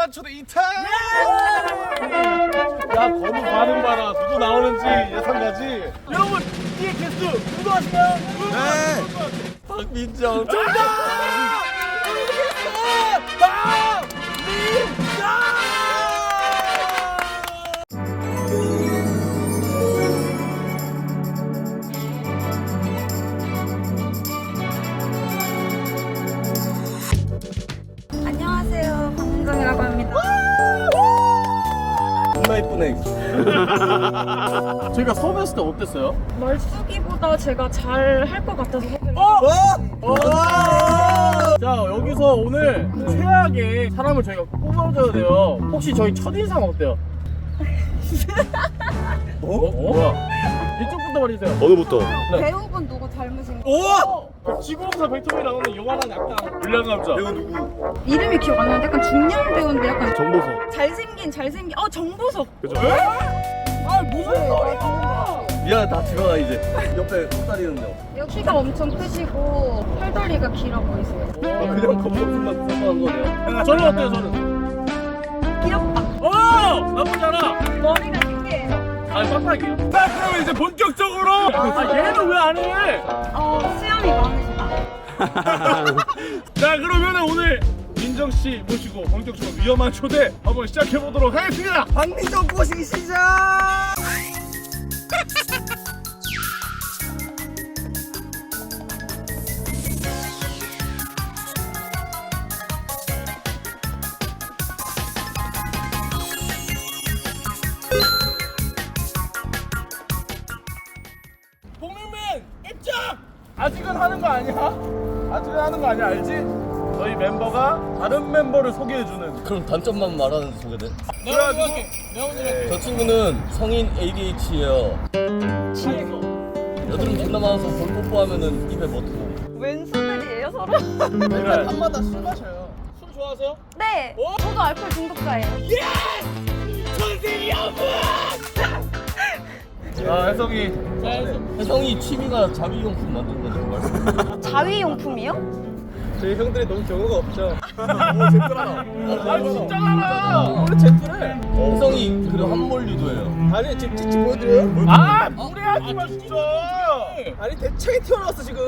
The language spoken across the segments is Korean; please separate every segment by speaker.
Speaker 1: 위험한 초대 2탄! 야, 건우 반응 봐라. 누구 나오는지 예상가지? 여러분, 이의 게스트 누구 아시나요? 네! 박민정. 정답!
Speaker 2: 안녕하세요, 박민정이라고 합니다.
Speaker 1: 존나 이쁘네. 저희가 섭외했을 때 어땠어요?
Speaker 2: 말쓰기보다 제가 잘 할 것 같아서 섭외를
Speaker 1: 자, 여기서 오늘 최악의 사람을 저희가 뽑아줘야 돼요. 혹시 저희 첫인상 어때요? 뭐야? 이쪽부터 말해주세요.
Speaker 3: 어느부터?
Speaker 2: 배우분 누구 닮으신 거?
Speaker 1: 오! 지구공사 백통이 나오는 요만한 약간 불량 남자.
Speaker 3: 배우 누구?
Speaker 2: 이름이 기억 안 나는데 약간 중년 배우인데 약간
Speaker 3: 정보석.
Speaker 2: 잘생긴 정보석.
Speaker 3: 그죠?
Speaker 1: 아, 무슨 소리야!
Speaker 3: 미안, 다 들어가 이제. 옆에 헛다리는데.
Speaker 2: 키가 엄청 크시고 팔다리가 길어 보이세요.
Speaker 3: 그냥 겉모습만 생각한 거네요.
Speaker 1: 저는 어때요, 저는?
Speaker 2: 귀엽다.
Speaker 1: 나쁘지 않아.
Speaker 2: 머리가 신기해요.
Speaker 1: 아니, 빡빡이요. 자, 그러면 이제 본격적으로! 얘는 왜 안 해?
Speaker 2: 수염이 많으시다.
Speaker 1: 자, 그러면 오늘 민정씨 모시고 본격적으로 위험한 초대 한번 시작해보도록 하겠습니다.
Speaker 3: 박민정 꼬시기 시작!
Speaker 1: 복민민 입장! 아직은 하는 거 아니야? 아직은 하는 거 아니야, 알지? 저희 멤버가 다른 멤버를 소개해주는.
Speaker 3: 그럼 단점만 말하는 소개돼?
Speaker 1: 내가 먼저 할게. 내가 먼저 할게.
Speaker 3: 저 친구는 성인 ADH예요. 여드름 존나 많아서 볼 뽀뽀하면은 입에 버티고.
Speaker 2: 왼손들이에요 서로?
Speaker 1: 그래. 밤마다 술 마셔요. 술 좋아하세요?
Speaker 2: 네. 저도 알코올 중독자예요.
Speaker 1: 아, 혜성이.
Speaker 3: 혜성이 취미가 자위용품 만드는 거죠, 정말.
Speaker 2: 자위용품이요?
Speaker 3: 저희 형들이 너무 경우가 없죠. 오, 젠틀하다.
Speaker 1: 아, 진짜 많아.
Speaker 3: 원래 젠틀해. 혜성이 그리고 한몰리도 해요.
Speaker 4: 아니 지금 찌찌 보여드려요?
Speaker 1: 아, 무리하지 마, 진짜.
Speaker 4: 아니 대창이 튀어나왔어 지금.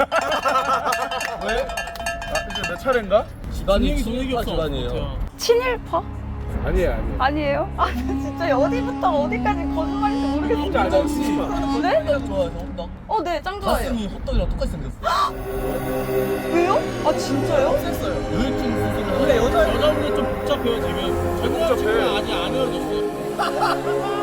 Speaker 1: 왜? 아, 이제 내 차례인가?
Speaker 3: 집안이 친일파 집안이에요.
Speaker 2: 친일파?
Speaker 4: 아니에요.
Speaker 2: 아니에요? 아 진짜 어디부터 어디까지 거짓말인지 모르겠어요.
Speaker 4: 안 하시지
Speaker 2: 네?
Speaker 3: 호떡 좋아해서 호떡.
Speaker 2: 네, 짱 좋아해요.
Speaker 3: 가슴이 호떡이랑 똑같이 생겼어.
Speaker 2: 왜요? 아 진짜요?
Speaker 3: 요일증 수술을
Speaker 4: 근데
Speaker 3: 하고.
Speaker 1: 여자분이 좀 복잡해요, 지금. 제가 지금 아직 안 헤어졌어요.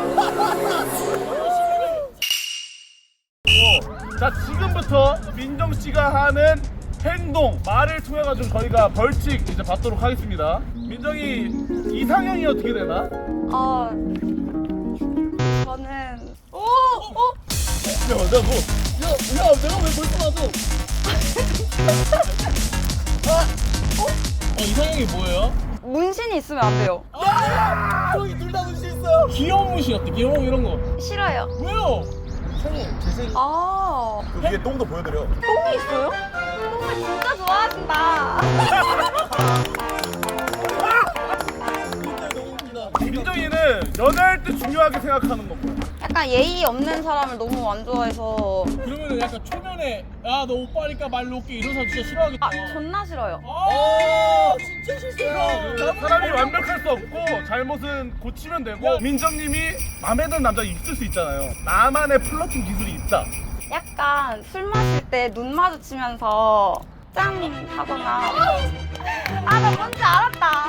Speaker 1: 자, 지금부터 민정 씨가 하는 행동, 말을 통해 가지고 저희가 벌칙 이제 받도록 하겠습니다. 민정이 이상형이 어떻게 되나?
Speaker 2: 저는
Speaker 1: 야, 내가 뭐?
Speaker 3: 야, 내가 왜 벌써 나도?
Speaker 1: 이상형이 뭐예요?
Speaker 2: 문신이 있으면 안 돼요.
Speaker 3: 저기 둘 다 문신 있어.
Speaker 1: 귀여운 문신 어때? 귀여운 이런 거.
Speaker 2: 싫어요.
Speaker 1: 왜요?
Speaker 2: 아,
Speaker 3: 그 위에 똥도 보여드려.
Speaker 2: 똥이 있어요? 똥을 진짜 좋아하신다.
Speaker 1: 민정이는 연애할 때 중요하게 생각하는 거 뭐야?
Speaker 2: 약간 예의 없는 사람을 너무 안 좋아해서
Speaker 1: 그러면 약간 초면에 야, 너 오빠니까 말 놓게 이런 사람 진짜 싫어하겠다.
Speaker 2: 존나 싫어요.
Speaker 1: 진짜 싫어요. 사람이 완벽할 수 없고 잘못은 고치면 되고 민정님이 마음에 드는 남자 있을 수 있잖아요. 나만의 플러팅 기술이 있다.
Speaker 2: 약간 술 마실 때 눈 마주치면서 짠 하거나 나 뭔지 알았다.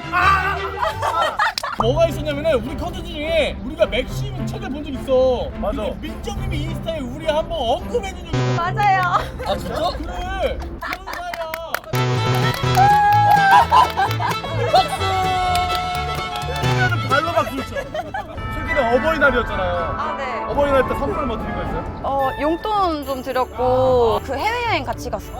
Speaker 1: 뭐가 있었냐면은 우리 컨텐츠 중에 우리가 맥심 책을 본 적 있어. 맞아. 근데 민정님이 인스타에 우리 한번 언급해준 적이 있어.
Speaker 2: 맞아요.
Speaker 3: 아, 진짜?
Speaker 1: 그래. 그런 사이야. 박수! 발로 박수 쳐. 최근에 어버이날이었잖아요.
Speaker 2: 네.
Speaker 1: 어버이날 때 선물 뭐 드린 거 있어요?
Speaker 2: 용돈 좀 드렸고 그 해외여행 같이 갔어.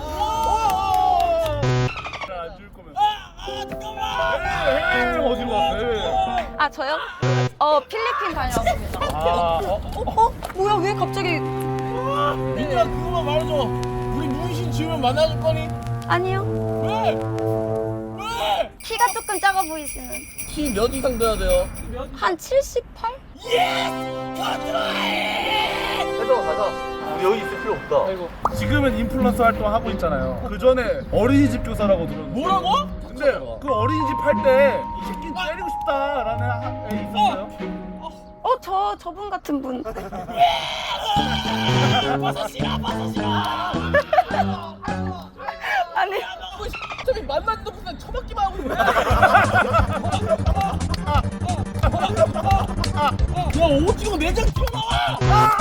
Speaker 1: 안줄 거면. 잠깐만. 해외여행 어디로 갔어요? 해외여행.
Speaker 2: 저요? 필리핀 다녀왔습니다. 뭐야 왜 갑자기?
Speaker 1: 민정아, 그거만 말해줘. 우리 문신 지우면 만나줄 거니?
Speaker 2: 아니요.
Speaker 1: 왜? 왜?
Speaker 2: 키가 키가 조금 작아 보이시는.
Speaker 3: 키 몇 이상 돼야 돼요?
Speaker 2: 한 78?
Speaker 3: 가자. 우리 여기 있을 필요 없다.
Speaker 4: 아이고.
Speaker 1: 지금은 인플루언서 활동하고 있잖아요. 그 전에 어린이집 교사라고 들었는데.
Speaker 4: 뭐라고?
Speaker 1: 근데 그 어린이집 할 때 이 새끼 때리고 싶다라는 애 있었어요?
Speaker 2: 저분 같은 분. 아니,
Speaker 4: 저기 만나는 놈들 처맞기만 하고 있네. 야 오징어 내장 튀어나와.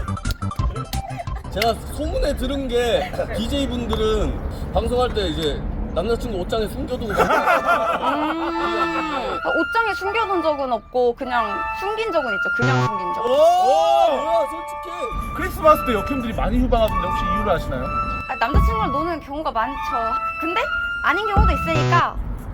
Speaker 3: 제가 소문에 들은 게 DJ 분들은 방송할 때 이제 남자친구 옷장에 숨겨두고
Speaker 2: 옷장에 숨겨둔 적은 없고 그냥 숨긴 적은 있죠. 그냥 숨긴 적.
Speaker 3: 뭐야 솔직히
Speaker 1: 크리스마스 때 역행들이 많이 휴방하던데 혹시 이유를 아시나요?
Speaker 2: 남자친구랑 노는 경우가 많죠. 근데 아닌 경우도 있으니까.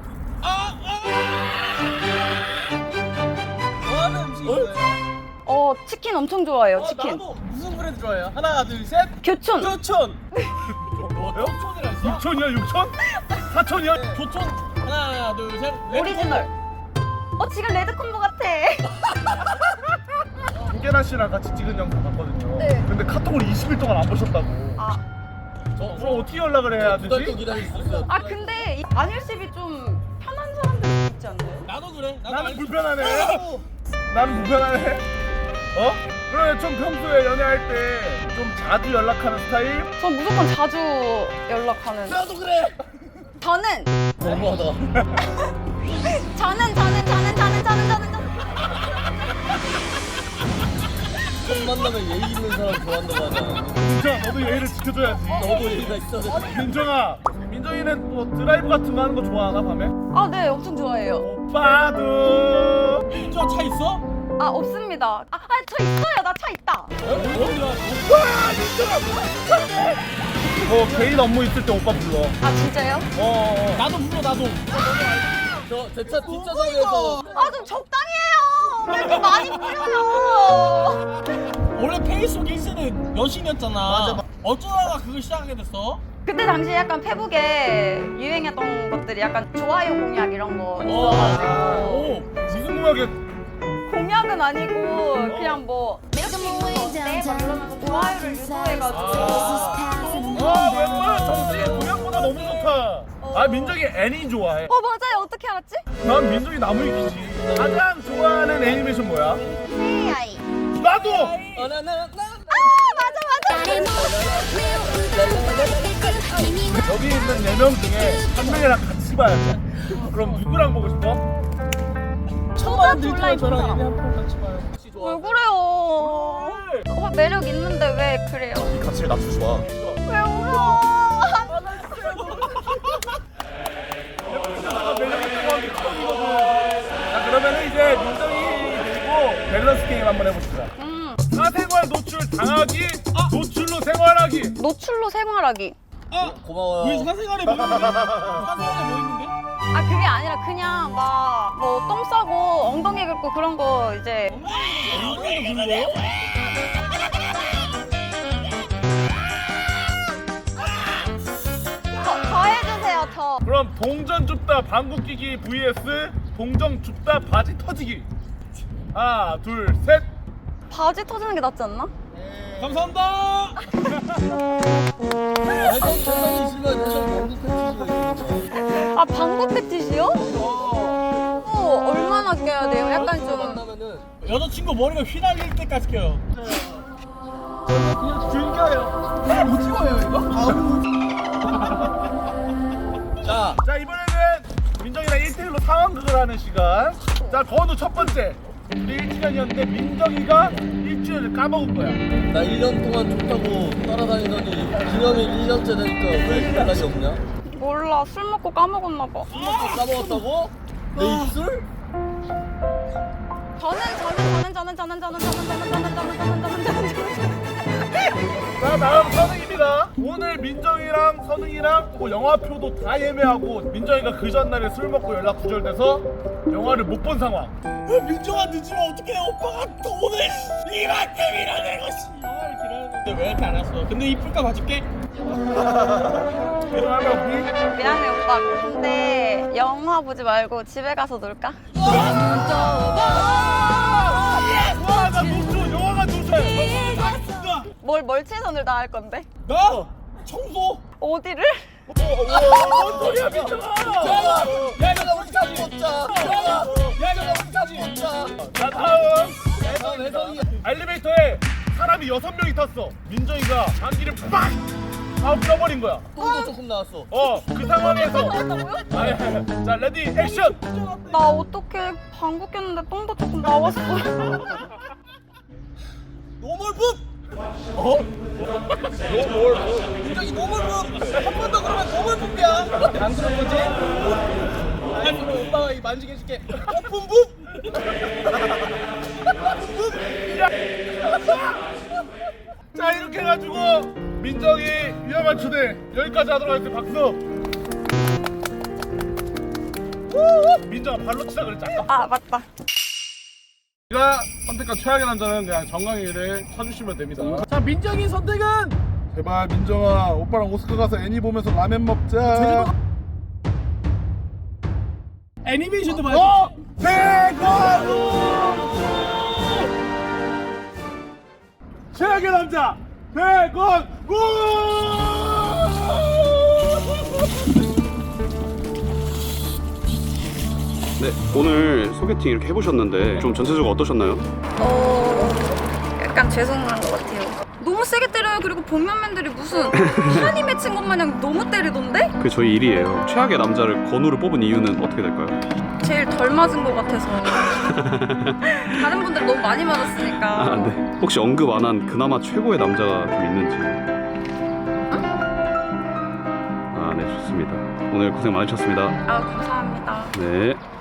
Speaker 4: 좋아하는 음식이에요?
Speaker 2: 치킨 엄청 좋아해요. 치킨.
Speaker 4: 나도 무슨 브랜드 좋아해요? 하나 둘 셋.
Speaker 2: 교촌.
Speaker 4: 교촌.
Speaker 1: 뭐요?
Speaker 4: 교촌이라 있어?
Speaker 1: 6천이야 6천? 4천이야?
Speaker 4: 교촌. 하나 둘 셋.
Speaker 2: 오리지널. 지금 레드콤보 같아.
Speaker 1: 김계란 씨랑 같이 찍은 영상 봤거든요.
Speaker 2: 네.
Speaker 1: 근데 카톡을 20일 동안 안 보셨다고. 그럼 어떻게 연락을 해야
Speaker 3: 두 달 또
Speaker 1: 되지?
Speaker 3: 기다릴 수 있어요.
Speaker 2: 근데 안일십이 좀 편한 사람들 있지 않나요?
Speaker 4: 나도 그래.
Speaker 1: 나는 불편하네. 나는 불편하네. 그래 좀 평소에 연애할 때 좀 자주 연락하는 스타일?
Speaker 2: 전 무조건 자주 연락하는.
Speaker 4: 나도 그래.
Speaker 2: 저는
Speaker 3: 너무하다.
Speaker 2: 저는
Speaker 3: 첫 만나면 예의 있는 사람 좋아한다고 하잖아.
Speaker 1: 민정아 너도 예의를 지켜줘야지.
Speaker 3: 너도 예의가 있어야 돼.
Speaker 1: 민정아, 민정이는 뭐 드라이브 같은 거 하는 거 좋아하나 밤에?
Speaker 2: 네, 엄청 좋아해요.
Speaker 1: 오빠도.
Speaker 4: 민주야 차 있어?
Speaker 2: 없습니다. 저 있어요. 나 차 있다.
Speaker 1: 개인 업무 있을 때 오빠 불러.
Speaker 2: 진짜요?
Speaker 4: 나도 불러 나도.
Speaker 3: 저 제 차 뒷좌석에서
Speaker 2: 좀 적당히 해요. 왜 이렇게 많이 뿌려요?
Speaker 4: 원래 페이스북 1세는 여신이었잖아. 맞아. 어쩌다가 그걸 시작하게 됐어?
Speaker 2: 그때 당시에 약간 페북에 유행했던 것들이 약간 좋아요 공약 이런 거 있어가지고
Speaker 1: 무슨 음악에?
Speaker 2: 공약은 아니고 그냥 뭐 이렇게 입는 거 어때? 막 이러면서 좋아요를 유도해가지고
Speaker 1: 웬만한 정수의 공약보다 너무 좋다. 민정이 애니 좋아해.
Speaker 2: 맞아요. 어떻게 알았지?
Speaker 1: 난 민정이 나무위키지. 가장 좋아하는 애니메이션 뭐야?
Speaker 2: AI.
Speaker 1: 나도.
Speaker 3: 나나나
Speaker 2: 맞아.
Speaker 1: 여기 있는 4명 중에 한 명이랑 같이 봐야 돼. 그럼 누구랑 보고 싶어?
Speaker 4: 처음
Speaker 2: 졸라
Speaker 4: 저랑
Speaker 2: 이쁘다.
Speaker 4: 얘네 한편 같이 봐요.
Speaker 2: 왜 그래요? 매력 있는데 왜 그래요?
Speaker 3: 같이 낮춰 좋아.
Speaker 2: 왜 울어?
Speaker 1: 자 그러면은 이제 민정이 그리고 밸런스 게임 한번 해봅시다. 사생활 노출 당하기, 노출로 생활하기.
Speaker 2: 노출로 생활하기.
Speaker 3: 고마워요.
Speaker 4: 왜 사생활에 뭐 있는데? 사생활에 뭐 있는데?
Speaker 2: 그게 아니라 그냥 막 뭐 똥 싸고 엉덩이 긁고 그런 거 이제
Speaker 4: 엉덩이도 긁는 거예요?
Speaker 2: 더 해주세요. 저.
Speaker 1: 그럼 동전 줍다 방구 끼기 vs 동전 줍다 바지 터지기. 하나, 둘, 셋.
Speaker 2: 바지 터지는 게 낫지 않나?
Speaker 4: 감사합니다.
Speaker 3: 대상이시면 대상 방구
Speaker 2: 방구 패티시요? 얼마나 껴야 돼요? 약간 좀.
Speaker 3: 만나면은
Speaker 4: 여자친구 머리가 휘날릴 때까지 껴요. 그냥 즐겨요. 오징어예요 이거?
Speaker 1: 자 이번에는 민정이랑 1대1로 상황극을 하는 시간. 자 건우 첫 번째. 우리 1주년이었는데 민정이가 일주일을 까먹은 거야.
Speaker 3: 나 1년 동안 좋다고 따라다니더니 기념일 1년째 되니까 왜 연락이 없냐?
Speaker 2: 몰라. 술 먹고 까먹었나 봐.
Speaker 3: 술 먹고 까먹었다고? 내 입술?
Speaker 1: 자 다음 선웅입니다. 오늘 민정이랑 선웅이랑 뭐 영화표도 다 예매하고 민정이가 그 전날에 술 먹고 연락 두절돼서 영화를 못 본 상황.
Speaker 4: 민정아 늦으면 어떡해. 오빠가 돈을 이만큼 밀어내고 씨발 이러는데 왜 이렇게 안 왔어? 근데 이쁠까 봐줄게.
Speaker 1: 일어나면
Speaker 2: 미안해 오빠. 근데 영화 보지 말고 집에 가서 놀까?
Speaker 1: 와나 노출 영화가 노출.
Speaker 2: 뭘 최선을 다할 건데?
Speaker 4: 나 청소.
Speaker 2: 어디를?
Speaker 1: 뭔 소리야 민정아.
Speaker 3: 야 이거 우리까지 먹자. 야 이거 우리까지 먹자.
Speaker 1: 자 다음
Speaker 3: 해성이.
Speaker 1: 엘리베이터에 사람이 6명이 탔어. 민정이가 장기를 빡! 하고 껴버린 거야.
Speaker 3: 똥도 조금 나왔어.
Speaker 1: 그 상황에서 아니, 자 레디 액션.
Speaker 2: 나 어떻게 방구 꼈는데 똥도 조금 나왔어.
Speaker 4: 노멀북. 굉장히 노멀북. 한 번 더 그러면 노멀북이야. 안 그런 거지? 아니 오빠가 이 만지게 해줄게. 오픈북.
Speaker 1: 자 이렇게 해가지고 민정이 위험한 초대 여기까지 하도록 하겠습니다. 박수. 민정아 발로 치자 그랬지 아까.
Speaker 2: 아 맞다.
Speaker 1: 제가 선택한 최악의 남자는 그냥 정강이를 쳐주시면 됩니다.
Speaker 4: 자 민정이 선택은
Speaker 1: 제발 민정아 오빠랑 오스카 가서 애니 보면서 라면 먹자.
Speaker 4: 애니메이션도 봐야지.
Speaker 1: 대건우 최악의 남자 대건우.
Speaker 5: 네, 오늘 소개팅 이렇게 해보셨는데 좀 전체적으로 어떠셨나요?
Speaker 2: 약간 죄송한 것 같아요. 너무 세게 때려요. 그리고 복면맨들이 무슨 한이 맺힌 것 마냥 너무 때리던데?
Speaker 5: 그게 저희 일이에요. 최악의 남자를 건우를 뽑은 이유는 어떻게 될까요?
Speaker 2: 제일 덜 맞은 것 같아서. 다른 분들 너무 많이 맞았으니까.
Speaker 5: 아, 네. 혹시 언급 안 한 그나마 최고의 남자가 좀 있는지? 아, 네, 좋습니다. 오늘 고생 많으셨습니다.
Speaker 2: 아 감사합니다.
Speaker 5: 네.